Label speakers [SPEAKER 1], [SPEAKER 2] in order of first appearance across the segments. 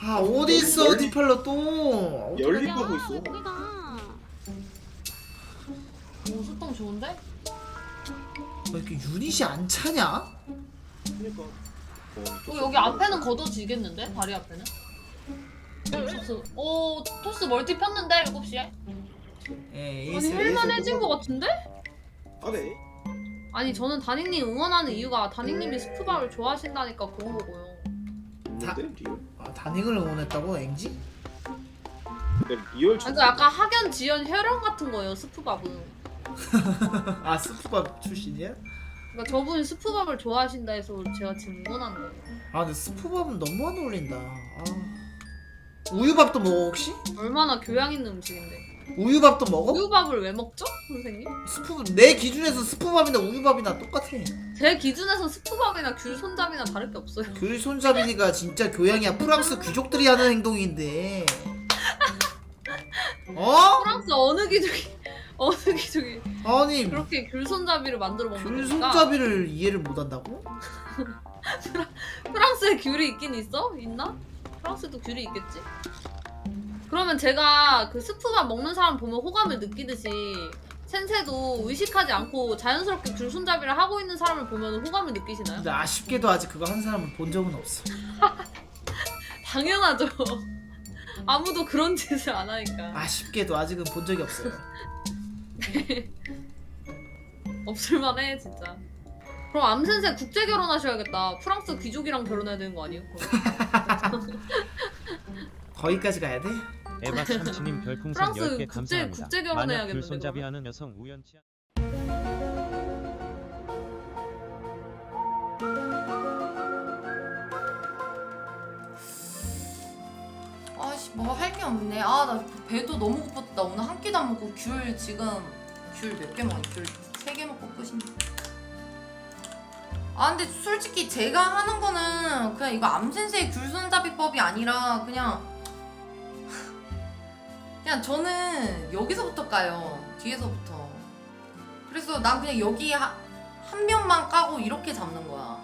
[SPEAKER 1] 아 어디 있어 디팔러 또?
[SPEAKER 2] 열립하고 있어.
[SPEAKER 3] 거기가.
[SPEAKER 4] 오 소통 좋은데?
[SPEAKER 1] 왜 이렇게 유닛이 안 차냐?
[SPEAKER 2] 그러니까.
[SPEAKER 4] 여기 앞에는 걷어지겠는데? 다리 앞에는? 토스. 오 토스 멀티 폈는데 7시에?
[SPEAKER 1] 예,
[SPEAKER 4] 아니 할만해진 것 같은데?
[SPEAKER 2] 안해.
[SPEAKER 4] 아니 저는 다닝님 응원하는 이유가 다닝님이 스프밥을 좋아하신다니까 그런 거고요.
[SPEAKER 2] 뭔데 리얼?
[SPEAKER 1] 아, 다닝을 응원했다고 앵지?
[SPEAKER 2] 근데 리얼
[SPEAKER 4] 그러니까 약간 학연, 지연, 혈연 같은 거예요 스프밥은.
[SPEAKER 1] 아 스프밥 출신이야?
[SPEAKER 4] 그러니까 저분이 스프밥을 좋아하신다 해서 제가 지금 응원하는 거예요.
[SPEAKER 1] 아 근데 스프밥은 너무 안 어울린다. 아. 우유밥도 먹어 혹시?
[SPEAKER 4] 얼마나 교양 있는 음식인데.
[SPEAKER 1] 우유밥도 먹어?
[SPEAKER 4] 우유밥을 왜 먹죠? 선생님?
[SPEAKER 1] 스프 내 기준에서 스프밥이나 우유밥이나 똑같아.
[SPEAKER 4] 제 기준에서 스프밥이나 귤 손잡이나 다를 게 없어요.
[SPEAKER 1] 귤 손잡이니까 진짜 교양이야. 프랑스 귀족들이 하는 행동인데. 어?
[SPEAKER 4] 프랑스 어느 귀족이
[SPEAKER 1] 아니
[SPEAKER 4] 그렇게 귤 손잡이를 만들어
[SPEAKER 1] 귤
[SPEAKER 4] 먹는
[SPEAKER 1] 손잡이를 이해를 못한다고?
[SPEAKER 4] 프랑스에 귤이 있긴 있어? 있나? 프랑스도 귤이 있겠지? 그러면 제가 그 스프밥 먹는 사람 보면 호감을 느끼듯이 센세도 의식하지 않고 자연스럽게 귤 손잡이를 하고 있는 사람을 보면 호감을 느끼시나요?
[SPEAKER 1] 근데 아쉽게도 아직 그거 한 사람을 본 적은 없어.
[SPEAKER 4] 당연하죠. 아무도 그런 짓을 안 하니까.
[SPEAKER 1] 아쉽게도 아직은 본 적이 없어요.
[SPEAKER 4] 없을만해 진짜. 그럼 암센세 국제 결혼하셔야겠다. 프랑스 귀족이랑 결혼해야 되는 거 아니에요?
[SPEAKER 1] 거기까지 가야 돼?
[SPEAKER 5] 에바 참치님 별풍선
[SPEAKER 4] 프랑스
[SPEAKER 5] 10개
[SPEAKER 4] 국제
[SPEAKER 5] 감사합니다. 만약
[SPEAKER 4] 결혼해야겠는데,
[SPEAKER 5] 귤손잡이
[SPEAKER 4] 그러면?
[SPEAKER 5] 하는 여성 우연치 않...
[SPEAKER 6] 아씨 뭐 할 게 없네. 아 나 배도 너무 고팠다. 오늘 한 끼도 안 먹고 귤 지금 귤 몇 개 먹었니? 귤 3개 먹고 끝인데. 아 근데 솔직히 제가 하는 거는 그냥 이거 암센세의 귤손잡이법이 아니라 그냥 저는 여기서부터 까요. 뒤에서부터. 그래서 난 그냥 여기 한 면만 까고 이렇게 잡는 거야.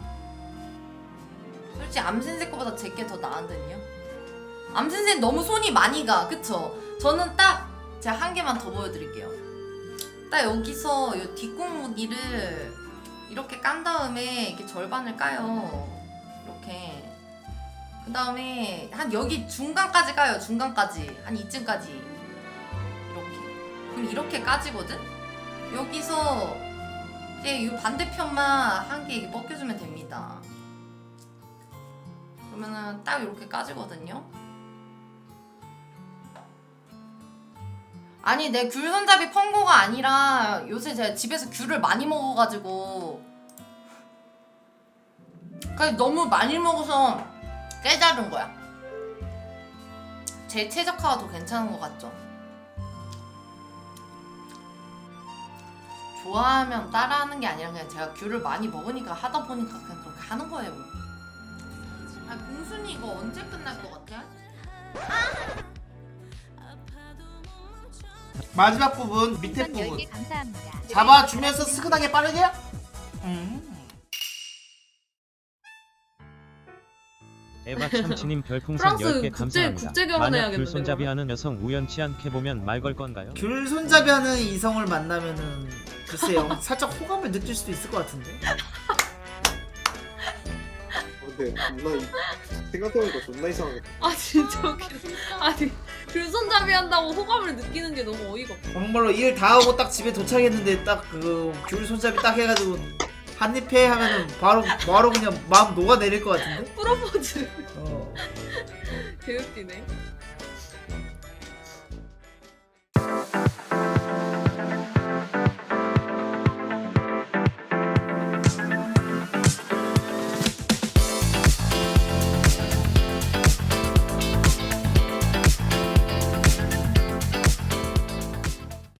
[SPEAKER 6] 솔직히 암센세 거보다 제게 더 나은데요? 암센세는 너무 손이 많이 가. 그쵸? 저는 딱 제가 한 개만 더 보여드릴게요. 딱 여기서 이 뒷공무니를 이렇게 깐 다음에 이렇게 절반을 까요. 이렇게. 그 다음에 한 여기 중간까지 까요. 중간까지. 한 이쯤까지. 이렇게. 그럼 이렇게 까지거든? 여기서 이제 이 반대편만 한 개 이렇게 벗겨주면 됩니다. 그러면은 딱 이렇게 까지거든요? 아니 내 귤 손잡이 펑고가 아니라 요새 제가 집에서 귤을 많이 먹어가지고 그러니까 너무 많이 먹어서 깨달은 거야. 제 최적화가 더 괜찮은 것 같죠? 좋아하면 따라하는 게 아니라 그냥 제가 귤을 많이 먹으니까 하다 보니까 그냥 그렇게 하는 거예요. 아 공순이 이거 언제 끝날 것 같아?
[SPEAKER 1] 마지막 부분 밑에 부분
[SPEAKER 3] 10개 감사합니다.
[SPEAKER 1] 잡아주면서 스근하게 빠르게.
[SPEAKER 5] 에바 참치님 별풍선
[SPEAKER 4] 프랑스
[SPEAKER 5] 10개
[SPEAKER 4] 국제
[SPEAKER 5] 감사합니다. 만약
[SPEAKER 4] 결혼해야겠는데,
[SPEAKER 5] 귤손잡이
[SPEAKER 4] 그러면?
[SPEAKER 5] 하는 여성 우연치 않게 보면 말 걸 건가요?
[SPEAKER 1] 귤 손잡이하는 이성을 만나면은 글쎄요 살짝 호감을 느낄 수도 있을 것 같은데.
[SPEAKER 2] 근데 존나 생각해보니까 존나 이상하겠다.
[SPEAKER 4] 아 진짜 웃기다. 아니 귤 손잡이 한다고 호감을 느끼는 게 너무 어이가 없어.
[SPEAKER 1] 정말로 일 다 하고 딱 집에 도착했는데 딱 그 귤 손잡이 딱 해가지고 한입해 하면은 바로 그냥 마음 녹아내릴 것 같은데.
[SPEAKER 4] 프로포즈
[SPEAKER 1] 어.
[SPEAKER 4] 개웃기네.